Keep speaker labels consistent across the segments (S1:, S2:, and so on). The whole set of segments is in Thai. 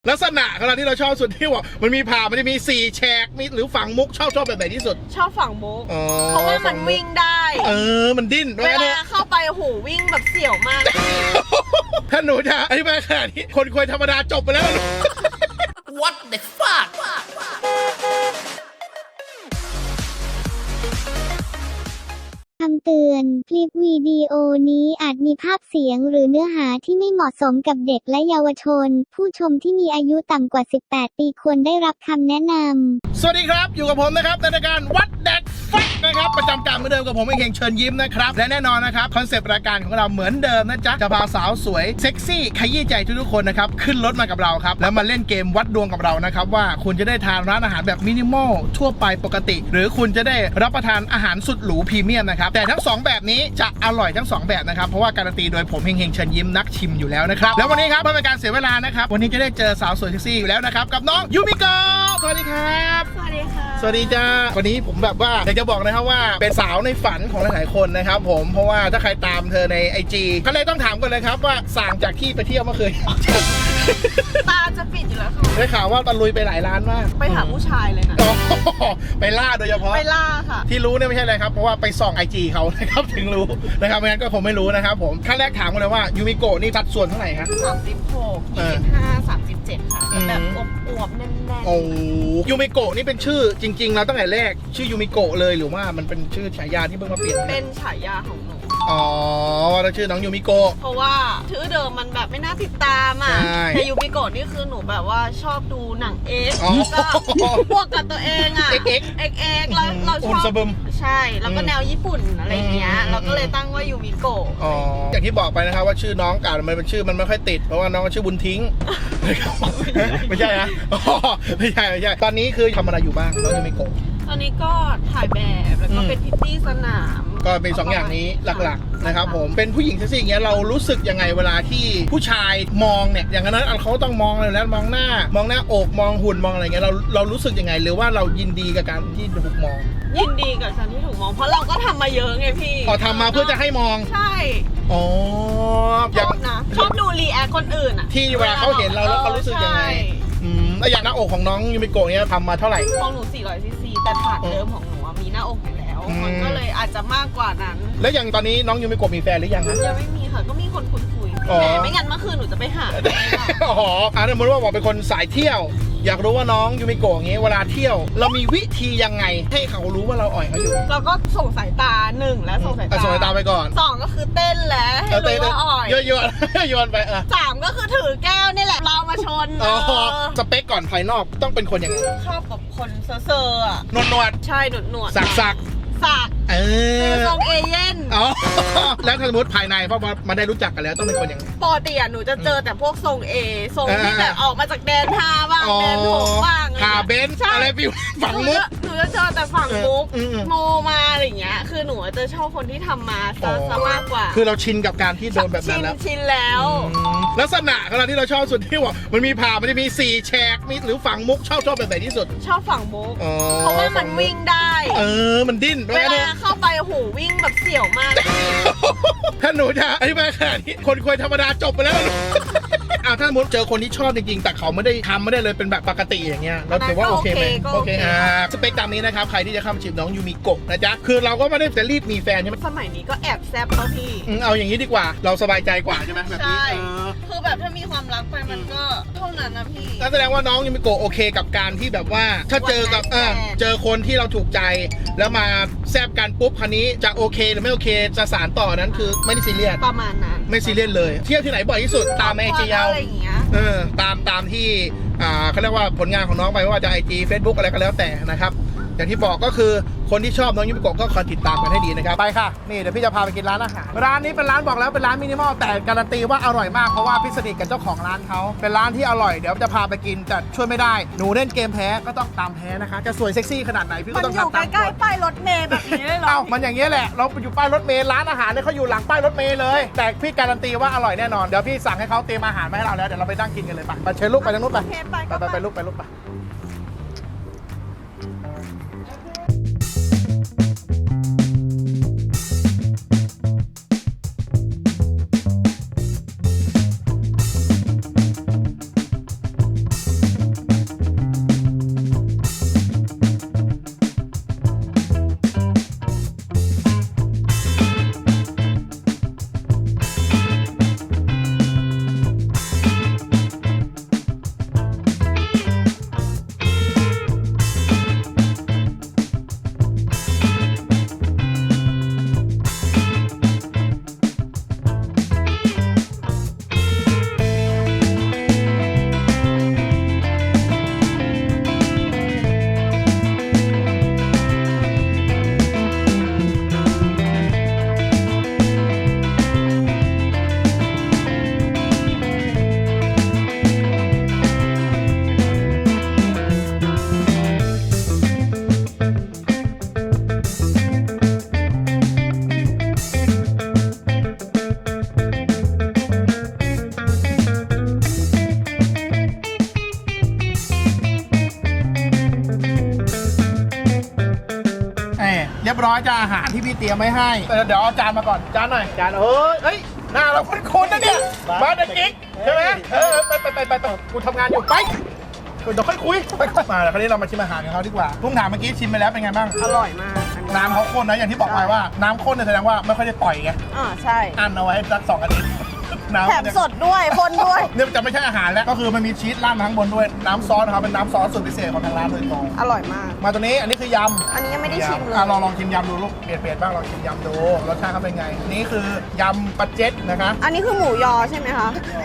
S1: ลักษณะของเราที่เราชอบสุดที่ว่ามันมีผ่ามันจะมี4แฉกมีหรือฝังมุกชอบแบบไหนที่สุด
S2: ชอบฝั่งมุกเพราะว่ามันวิ่งได้
S1: มันดิ้น
S2: เวลาเข้าไปโอ้โหวิ่งแบบเสี่ยวมาก
S1: ถ้าหนูจะอธิบายขนาดนี้คนคุยธรรมดาจบไปแล้ว
S3: What the fuck
S4: คำเตือน คลิปวิดีโอนี้อาจมีภาพเสียงหรือเนื้อหาที่ไม่เหมาะสมกับเด็กและเยาวชน ผู้ชมที่มีอายุต่ำกว่า 18 ปีควรได้รับคำแนะนำ
S1: สวัสดีครับอยู่กับผมนะครับในรายการ What the fuck นะครับประจำการเหมือนเดิมกับผมเองเชิญยิ้มนะครับและแน่นอนนะครับคอนเซปต์รายการของเราเหมือนเดิมนะจ๊ะจะพาสาวสวยเซ็กซี่ขยี้ใจทุกคนนะครับขึ้นรถมากับเราครับแล้วมาเล่นเกมวัดดวงกับเรานะครับว่าคุณจะได้ทานร้านอาหารแบบมินิมอลทั่วไปปกติหรือคุณจะได้รับประทานอาหารสุดหรูพรีเมียมนะครับแต่ทั้ง2แบบนี้จะอร่อยทั้ง2แบบนะครับเพราะว่าการันตีโดยผมเฮงเชิญยิ้มนักชิมอยู่แล้วนะครับแล้ววันนี้ครับเพื่อเป็นการเสียเวลานะครับวันนี้จะได้เจอสาวสวยเซ็กซี่อยู่แล้วนะครับกับน้องยูมิโกะสวัสดีครับ
S2: สวัสดีค่ะ
S1: สวัสดีจ้าวันนี้ผมแบบว่าอยากจะบอกนะครับว่าเป็นสาวในฝันของหลายๆคนนะครับผมเพราะว่าถ้าใครตามเธอใน IG ก็เลยต้องถามกันเลยครับว่าสั่งจากที่ไปเที่ยวเมื่อคืน
S2: ตาจะปิดอยู่แล้วค่ะ
S1: ได้ข่าวว่าตะลุยไปหลายร้านมาก
S2: ไปหาผู้ชายเลยนะ
S1: ไปล่าโดยเฉพาะ
S2: ไปล่าค่ะ
S1: ที่รู้เนี่ยไม่ใช่อะไรครับเพราะว่าไปส่อง IG เขานะครับถึงรู้นะครับไม่งั้นก็คงไม่รู้นะครับผมขั้นแรกถามกันเลยว่ายูมิโกะนี่สัดส่วนเท่าไหร่ครับ
S2: 36 25 37ค่ะแบบอวบๆแน่นๆ
S1: โอ้ยูมิโกะนี่เป็นชื่อจริงๆแล้วตั้งแต่แรกชื่อยูมิโกะเลยหรือว่ามันเป็นชื่อฉายาที่เพิ่งมาเปลี่ยน
S2: เป็นฉายาของหนู
S1: ว่าเราชื่อน้องยูมิโกะ
S2: เพราะว่าชื่อเดิมมันแบบไม่น่าติดตามอ่ะแต่ยูมิโกะนี่คือหนูแบบว่าชอบดูหนังก็พวกกับตัวเองอ่ะเอ็กแล้วเราชอบใช่แล้วก็แนวญี่ปุ่นอะไรเงี้ยเราก็เลยตั้งว่ายูมิโกะ
S1: อย่างที่บอกไปนะครับว่าชื่อน้องการมันเป็นชื่อมันไม่ค่อยติดเพราะว่าน้องชื่อบุญทิ้งไม่ใช่นะไม่ใช่ตอนนี้คือทำอะไรอยู่บ้างน้องยูมิโกะ
S2: ตอนนี้ก็ถ่ายแบบแล้วก็เป็นพิตตี้สนาม
S1: ก็เป็น2อย่างนี้หลักๆนะครับผมเป็นผู้หญิงเซ็กซี่อย่างเงี้ยเรารู้สึกยังไงเวลาที่ผู้ชายมองเนี่ยอย่างนั้นเขาต้องมองเลยแล้วมองหน้าอกมองหุ่นมองอะไรเงี้ยเรารู้สึกยังไงหรือว่าเรายินดีกับการที่ถูกมอง
S2: ยินดีกับการที่ถูกมองเพราะเราก็ทำมาเยอะไงพี่
S1: ทำมาเพื่อจะให้มอง
S2: ใช่ชอบดูรีแอคคนอื่นอ่ะ
S1: ที่เวลาเขาเห็นเราแล้วเขารู้สึกยังไงแล้วอย่างหน้าอกของน้องยูมิโกะเนี่ยทำมาเท่าไหร่
S2: ของหนู400 cc แต่ฐานเดิมของหนูมีหน้าอกอยู่แล้วมันก็เลยอาจจะมากกว่านั้น
S1: แล้วอย่างตอนนี้น้องยูมิโกะมีแฟนหรือยัง
S2: คะยังไม่มีค่ะก็มีคนคุยแต่ไม่งั้นเมื่อคืนหนูจะไปหา
S1: สมมติว่าบอกเป็นคนสายเที่ยวอยากรู้ว่าน้องยูมิโกะอย่างงี้เวลาเที่ยวเรามีวิธียังไงให้เขารู้ว่าเราอ่อยเขาอยู่
S2: เราก็ส่งสายตา1แล้วส่งสายตา
S1: ไปก่อน
S2: 2ก็คือเต้นแล้วให้รู้ว่าอ่อย
S1: โยนไป
S2: 3ก็คือถือแก้วนี่แหละเรามาชน
S1: สเปคก่อนภายนอกต้องเป็นคนยังไง
S2: ชอบกับคนเซอร์อ่ะ
S1: นวด
S2: ใช่หนวด
S1: สัก
S2: ทรงเอเย่น
S1: แล้วสมมติภายในเพราะว่ามาได้รู้จักกันแล้วต้องเป็นคนยังไง
S2: ปกติหนูจะเจอแต่พวกทรงที่แบบออกมาจากแดนท่าบ้างแดนโถงบ้าง
S1: ขาเบนอะไรฟิวฝั่งมุก
S2: หนูจะเจอแต่ฝั่งมุกโมมาอะไรอย่างเงี้ยคือหนูจะชอบคนที่ทำมาซะมากกว่า
S1: คือเราชินกับการที่โดนแบบนั้นแล้ว
S2: ชินแล้ว
S1: ลักษณะของเราที่เราชอบสุดที่ว่ามันมีผ่ามันจะมี4แฉกมีหรือฝังมุกชอบแบบไหนที่สุด
S2: ชอบฝั่งมุกเพราะว่ามันวิ่งได้
S1: มันดิ้น
S2: เวลาเข้าไปโอ้โหวิ่งแบบเสี่ยวมาก
S1: ถ้าหนูจะอธิบายขนาดนี้คนคุยธรรมดาจบไปแล้วถ้าสมมติเจอคนที่ชอบจริงๆแต่เขาไม่ได้เลยเป็นแบบปกติอย่างเงี้ยเราถือว่าโอเคไหมโอเคสเปคตามนี้นะครับใครที่จะเข้ามาจีบน้องยูมิโกะนะจ๊ะคือเราก็ไม่ได้จะรีบมีแฟนใช่ไหม
S2: สมัยนี้ก็แอบแซบแล้วพี่
S1: เอาอย่างนี้ดีกว่าเราสบายใจกว่าใช่ไหมแบบนี้
S2: คือแบบถ้ามีความรักไปมันก็เท่านั้นนะพี่
S1: แสดงว่าน้องยูมิโกะโอเคกับการที่แบบว่าถ้าเจอกับเจอคนที่เราถูกใจแล้วมาแซบกันปุ๊บคันนี้จะโอเคหรือไม่โอเคจะสารต่อนั้นคือไม่ได้ซีเรียส
S2: ประมาณนั้น
S1: ไม่ซีเรียสเลยเที่ยวที่ไหนบ่อยที่สุดตามไอจีเราตามที่เขาเรียกว่าผลงานของน้องไปไม่ว่าจะ IG Facebook อะไรก็แล้วแต่นะครับอย่างที่บอกก็คือคนที่ชอบน้องยูมิโกะก็คอยติดตามกันให้ดีนะครับไปค่ะนี่เดี๋ยวพี่จะพาไปกินร้านอาหารร้านนี้เป็นร้านบอกแล้วเป็นร้านมินิมอลแต่การันตีว่าอร่อยมากเพราะว่าพี่สนิทกับเจ้าของร้านเขาเป็นร้านที่อร่อยเดี๋ยวจะพาไปกินแต่ช่วยไม่ได้หนูเล่นเกมแพ้ก็ต้องตามแพ้นะคะจะสวยเซ็กซี่ขนาดไหนพี่ก็ต้องทำตาม
S2: ใกล้ๆป้ายรถเมล์แบบนี้เลยเหรอ
S1: มันอย่างเงี้ยแหละเราอยู่ป้ายรถเมล์ร้านอาหารเนี่ยเขาอยู่หลังป้ายรถเมล์เลยแต่พี่การันตีว่าอร่อยแน่นอนเดี๋ยวพี่สั่งให้เขาเตรียมอาหารมาให้เราแล้วเดี๋ยวเราไปนั่งกินกันเลยไปเชิญลูกไปทางนู้นไปลูกไปร้อยจ้าอาหารที่พี่เตรียมไว้ให้เดี๋ยวเอาจานมาก่อนจานหน่อยจานเฮ้ยหน้าเราคุ้นๆนะเนี่ยมาเด็กกิ๊กใช่ไหมไปกูทำงานอยู่ไปเดี๋ยวค่อยคุยมาแล้วคราวนี้เรามาชิมอาหารของเขาดีกว่าพุ่งถามเมื่อกี้ชิมไปแล้วเป็นไงบ้าง
S2: อร่อยมาก
S1: น้ำเขาข้นนะอย่างที่บอกไปว่าน้ำข้นเนี่ยแสดงว่าไม่ค่อยได้ปล่อยไง
S2: ใช่
S1: อันเอาไว้สัก2 อาทิตย์น้ำ
S2: แถมสดด้วยคนด้วย
S1: เนี่ยจะไม่ใช่อาหารแล้วก็คือมันมีชีสราดมาข้างบนด้วยน้ำซอสนะครับเป็นน้ำซอสสูตรพิเศษของทางร้านโดยตรง
S2: อร่อยมาก
S1: มาตัวนี้อันนี้คือยำ
S2: อันนี้ยังไม่ได้ชิมเลย
S1: ลองชิมยำดูลูกเปลี่ยนบ้างลองชิมยำดูรสชาติเขาเป็นไงนี่คือยำปลาเจ็ดนะคะ
S2: อันนี้คือหมูยอใช่ไหมคะ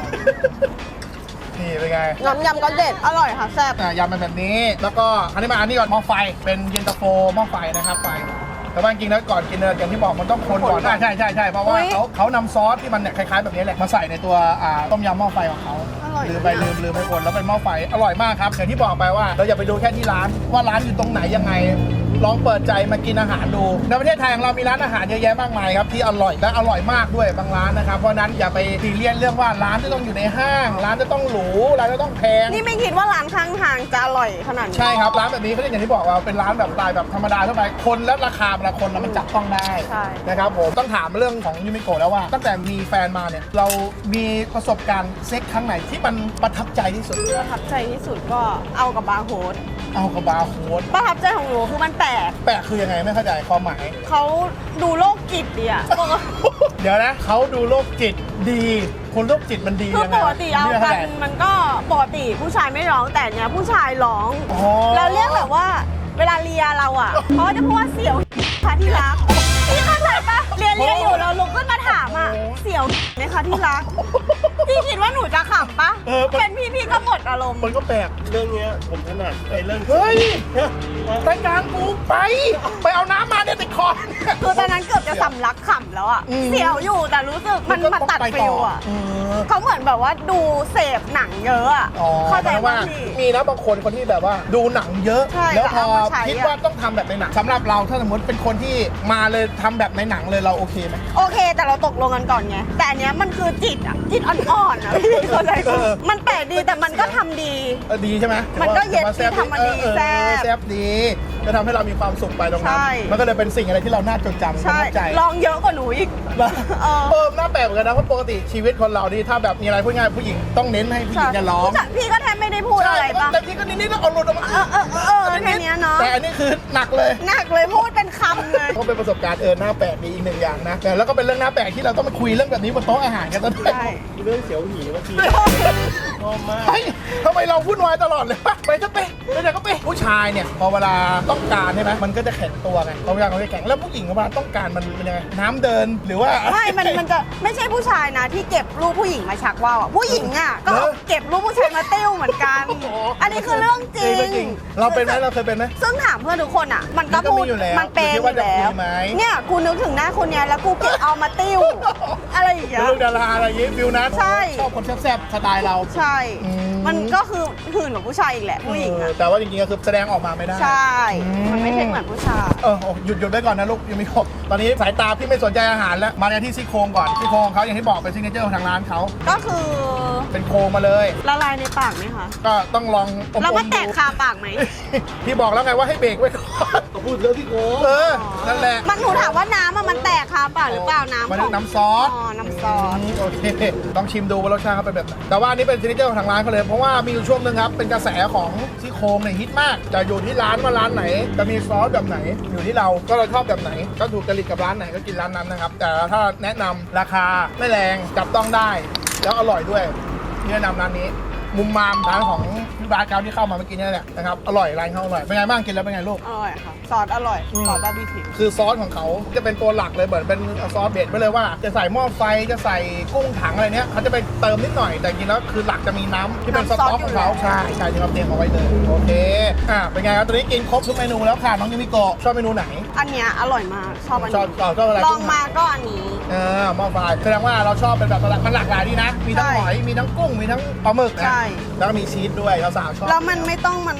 S1: นี่เป็นไง
S2: น้ำยำก็เด็ดอร่อยค่ะแซ่บ
S1: ยำเป็นแบบนี้แล้วก็อันนี้มาอันนี้ก่อนหม้อไฟเป็นเย็นตาโฟหม้อไฟนะครับไฟแต่ว่าจริงๆแล้วก่อนกินเนี่ยอย่างที่บอกมันต้องคนก่อนใช่เพราะว่าเขานำซอสที่มันเนี่ยคล้ายๆแบบนี้แหละมาใส่ในตัวต้มยำหม้อไฟของเขาลืมไปคนแล้วเป็นหม้อไฟอร่อยมากครับอย่างที่บอกไปว่าเราอย่าไปดูแค่ที่ร้านว่าร้านอยู่ตรงไหนยังไงลองเปิดใจมากินอาหารดูในประเทศไทยของเรามีร้านอาหารเยอะแยะมากมายครับที่อร่อยและอร่อยมากด้วยบางร้านนะครับเพราะนั้นอย่าไปซีเรียสเรื่องว่าร้านจะต้องอยู่ในห้างร้านจะต้องหรูร้านจะต้องแพง
S2: นี่ไม่คิดว่าร้านข้างทางจะอร่อยขนาดนี้
S1: ใช่ครับร้านแบบนี้เขาเรียกอย่างที่บอกว่าเป็นร้านแบบสไตล์แบบธรรมดาทั่วไปคนและราคาแต่ละคนมันจับต้องได้นะครับผมต้องถามเรื่องของยูมิโกะแล้วว่าตั้งแต่มีแฟนมาเนี่ยเรามีประสบการณ์เซ็กครั้งไหนที่มันประทับใจที่สุด
S2: ประทับใจที่สุดก็เอากับบาร์โฮส
S1: เอากับบาร์โฮส
S2: ประทับใจของหนูคือมันแปลก
S1: แปลกคือยังไงไม่เข้าใจความหมาย
S2: เขาดูโรคจิตดีอะ
S1: เดี๋ยวนะเขาดูโรคจิตดีคนโรคจิตมันดี
S2: คือ
S1: ยังไง
S2: ปกติเอา
S1: ไม่
S2: กั
S1: เข้
S2: น
S1: ใจ
S2: มันก็ปกติผู้ชายไม่ร้องแต่เนี้ยผู้ชายร้อง
S1: อ๋อ
S2: แล้วเรียกแบบว่าเวลาเลียเราอ่ะเขาจะพูดว่าเสี่ยวค่ะที่รักพี่เข้าใจปะเรียนอยู่เราลุกขึ้นมาถามอ่ะเสี่ยวไหมคะที่รักพี่คิดว่าหนูจะขำปะเป็นพี่ก็หมดอารมณ์
S1: มันก็แปลก
S5: เรื่องเนี้ยผมถนัดไอ้เรื่อง
S1: เฮ้ยรายการกูไปเอาน้ำมาเนี่ยติดคอ
S2: คือตอนนั้นเกือบจะสำลักขำแล้วอ่ะเสี่ยวอยู่แต่รู้สึกมันตัดฟิลอ่ะเขาเหมือนแบบว่าดูเสพหนังเยอะอ่ะเข้าใจว่า
S1: มีนะบางคนที่แบบว่าดูหนังเยอะ
S2: ใช่
S1: แล้วพอ
S2: เอามาใช้
S1: คิดว่าต้องทำแบบในหนังสำหรับเราถ้าสมมติเป็นคนที่มาเลยทำแบบในหนังเลยเราโอเคไหม
S2: โอเคแต่เราตกลงกันก่อนไงแต่อันเนี้ยมันคือจิตอ่ะจิตอ่อนๆอ่ะพี่เข้าใจปะมันแปลกดีแต่มันก็ทำดี
S1: ดีใช่ไหม
S2: มันก็เย็นดีทำมาดีแซ่บ
S1: แซ่บดีจะทำให้เรามีความสุขไปตรงนั้น
S2: ใช่
S1: มันก็เลยเป็นสิ่งอะไรที่เราน่าจดจำ
S2: ใช่
S1: ประทับใจ
S2: ลองเยอะกว่าหนูอีก
S1: น่าแปลกเหมือนกันนะเพราะปกติชีวิตคนเรานี่ถ้าแบบมีอะไรพูดง่ายผู้หญิงต้องเน้นให้ผู้หญิงจะร้อง
S2: พี่ก็แทบไม่ได้พูดอะไรปะ
S1: แต่พี่ก็นิดๆแล้วเอาหลุดออกมา
S2: แค่เนี้ยเนาะ
S1: แต่อันนี้คือหนักเลย
S2: หนักเลยพูดเป็นคำเลย
S1: ก็เป็นประสบการณ์หน้าแปลกดีอีกหนึ่งอย่างนะแต่แล้วก็เป็นเรื่องหน้าแปลกที่เราต้องมาคุยเรื่องแบบนี้บนโต๊ะอาหารกันตอนนี้
S2: ใช่
S5: เรื่องเสียวหีเมื่อกี้ชอบมาก
S1: เฮ้ยทำไมเราวุ่นวายตลอดเลยไปจะไปไหนก็ไปผู้ชายเนี่ยพอเวลาต้องการใช่ไหมมันก็จะแข็งตัวไงพอเวลาเขาจะแข็งแล้วผู้หญิงเวลาต้องการมันเป็นยังไงน้ำเดินหรือว่า
S2: ไม่มันจะไม่ใช่ผู้ชายนะที่เก็บรูปผู้หญิงมาชักว่าวอ่ะผู้หญิงอ่ะก็เอาเก็บรูปผู้ชายมาติ้วเหมือนกัน อันนี้คือเรื่องจริง
S1: เราเป็นไหมเราเคยเป็นไหม
S2: ซึ่งถามเพื่อนทุกคนอ่ะ มันก็พูด
S1: มันก็มีอยู่แล้ว
S2: มันเป็นอยู่
S1: อยู่ที่ว่าจะ
S2: แล้ว
S1: คุยไหม
S2: เนี่ยกูนึกถึงหน้าคนเนี้ยแล้วกูเก็บเอามาติ้ว อะไรอย่างเงี้ย
S1: เรื่องดาราอะไรอย่างงี้ฟิวนะ
S2: ใช่
S1: ชอบคนแซ่บๆสไตล์เรา
S2: ใช่
S1: อืม
S2: มันก็คือหื่นกว่าผู้ชายอีกแหละผู้หญิงอ่ะ
S1: แต่ว่าจริงๆก็คือแสดงออกมาไม่ได้
S2: ใช่ มันไม่ใช่เหมือนผู้ชาย
S1: หยุดไว้ก่อนนะลูกยังไม่ครบตอนนี้สายตาพี่ไม่สนใจอาหารแล้วมาในที่ซี่โครงก่อนซี่โครงของเขาอย่างที่บอกเป็นซิกเนเจอร์ของทางร้านเขา
S2: ก็คือ
S1: เป็นโครงมาเลย
S2: ละลายในปากไหมคะ
S1: ก็ต้องลองอมๆ
S2: แล้วมันแตก
S1: ดู
S2: คาปากไหม
S1: พี่บอกแล้วไงว่าให้เบรกไว้ก่อน
S5: เขาพูดเรื่องที่โกง
S1: นั่นแหละ
S2: มันหนูถามว่าน้ำมันแตกคาปากหรือเปล่าน้ำ
S1: มัน
S2: ของ
S1: น้ำซอส
S2: น้ำซอส
S1: โอเคต้องชิมดูว่ารสชาติเขาเป็นแบบไหนแต่ว่าอันนี้เป็นซิกเนเจอร์ของทางร้านเขาเลยเพราะว่ามีอยู่ช่วงนึงครับเป็นกระแสของซี่โครงเนี่ยฮิตมากจะอยู่ที่ร้านว่าร้านไหนจะมีซอสแบบไหนอยู่ที่เราก็เราชอบแบบไหนก็ถูกจริตกับร้านไหนก็กินร้านนั้นนะครับแต่ถ้าแนะนำราคาไม่แรงจับต้องได้แล้วอร่อยด้วยแนะนำร้านนี้มุมมามร้านของพี่บาสเกาที่เข้ามาเมื่อกี้นี่แหละนะครับอร่อยร้านเขาอร่อยเป็นไงบ้างกินแล้วเป็นไงลูก
S2: อร่อยค่ะ ซอสอร่อย ซอสบาร์บีคิว
S1: คือซอสของเขาจะเป็นตัวหลักเลยเหมือนเป็นซอสเบสไปเลยว่าจะใส่หม้อไฟจะใส่กุ้งถังอะไรเนี้ยเขาจะไปเติมนิดหน่อยแต่จริงแล้วคือหลักจะมีน้ำที่เป็นสต๊อกของเขาใช่ที่เราเตรียมเอาไว้เลยโอเคเป็นไงครับตอนนี้กินครบทุกเมนูแล้วค่ะน้องยูมิโกะชอบเมนูไหน
S2: อันเนี้ยอร่อยมาก ชอบอัน
S1: ช
S2: นี้
S1: อบอะไร
S2: ลองมาก็อันนี้
S1: หม้อไฟแสดงว่าเราชอบเป็นแบบมันหลากหลายดีนะมีทั้งหอยมีทั้งกุ้งมีทั้งปลาหมึกนะ
S2: ใช่
S1: แล้วก็มีชีสด้วยเราสาวชอบ
S2: แล้วมันไม่ต้องมานั่ง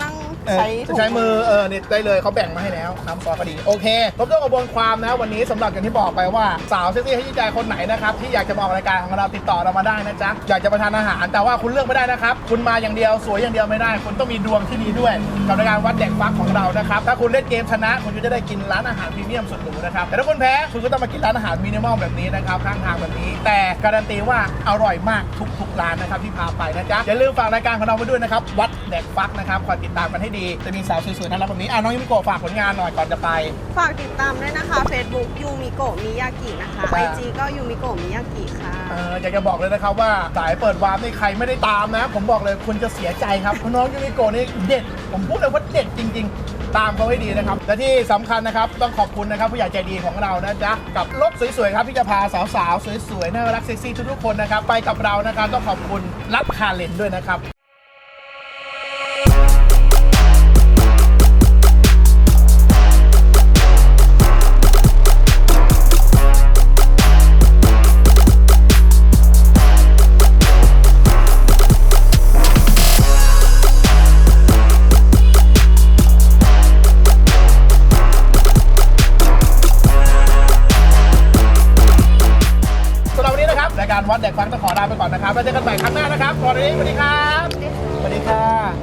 S1: ใช้มือนี่ได้เลยเขาแบ่งมาให้แล้วน้ำซอสก็ดีโอเคครบถ้วนกระบวนความนะวันนี้สำหรับอย่างที่บอกไปว่าสาวเซ็กซี่ให้ใจคนไหนนะครับที่อยากจะมาออกรายการของเราติดต่อเรามาได้นะจ๊ะอยากจะมาทานอาหารแต่ว่าคุณเลือกไม่ได้นะครับคุณมาอย่างเดียวสวยอย่างเดียวไม่ได้คุณต้องมีดวงที่ดีด้วยกับรายการวัดแดกฟักของเรานะครับถ้าคุณเล่นเกมชนะคุณก็จะได้กินร้านอาหารพรีเมียมสุดหรูนะครับแต่ถ้าคุณแพ้คุณก็ต้องมากินร้านอาหารมินิมอลแบบนี้นะครับข้างทางแบบนี้แต่การันตีว่าอร่อยมากทุกร้านนะครับที่พาไปนะจ๊ะอย่าลืมฝากรายการของเราไว้ด้วยนะครับวัดแดกฟักนะครับคอยติดตามกันให้ดีจะมีสาวสวยๆน่ารักแบบนี้น้องยูมิโกะฝากผลงานหน่อยก่อนจะไป
S2: ฝากติดตามด้วยนะคะ Facebook ยูมิโกะมิยากินะคะ IG ก็ยูมิโกะมิยากิค่ะ
S1: อยากจะบอกเลยนะครับว่าสายเปิดวาร์ปนี่ใครไม่ได้ตามนะผมบอกเลยคุณจะเสียใจครับเพราะน้องยูมิโกะนี่เด็ดผมพูดเลยว่าเด็ดจริงๆตามเขาให้ดีนะครับและที่สำคัญนะครับต้องขอบคุณนะครับผู้ใหญ่ใจดีของเรานะจ๊ะกับรถสวยๆครับที่จะพาสาวๆสวยๆน่ารักเซ็กซี่ทุกๆคนนะครับไปกับเรานะครับต้องขอบคุณรับคาเลนด้วยนะครับรายการวัดแดกฟังต้องขอลาไปก่อนนะครับแล้วเจอกันใหม่ครั้งหน้านะครับสวัสดีครับสวัสดีค่ะ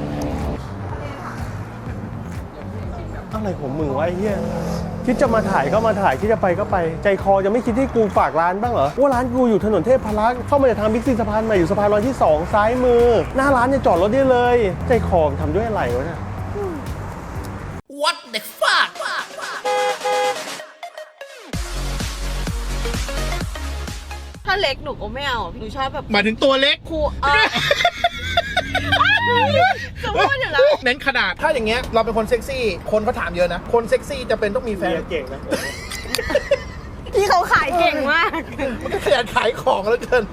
S5: อะไรของมึงวะไอ้เหี้ยคิดจะมาถ่ายก็มาถ่ายคิดจะไปก็ไปใจคอจะไม่คิดที่กูฝากร้านบ้างเหรอว่าร้านกูอยู่ถนนเทพพรักษ์เข้ามาจากทางบิ๊กซีสะพานใหม่อยู่สะพานลอยที่2ซ้ายมือหน้าร้านเนี่ยจอดรถได้เลยใจคอทำด้วยอะไรวะเนี่ย
S3: What the fuck
S2: ถ้าเล็กหนูก็ไม่เอาหนูชอบแบบ
S1: หมายถึงตัวเล็ก
S2: คูจะพูดอยู่แล้ว
S1: เน้นขนาดถ้าอย่างเงี้ยเราเป็นคนเซ็กซี่คนเขาถามเยอะนะคนเซ็กซี่จะเป็นต้องมีแฟน
S5: เก่งนะ
S2: พี่เขาขายเก่งมาก
S1: มันก็ขยันขายของแล้วเกิน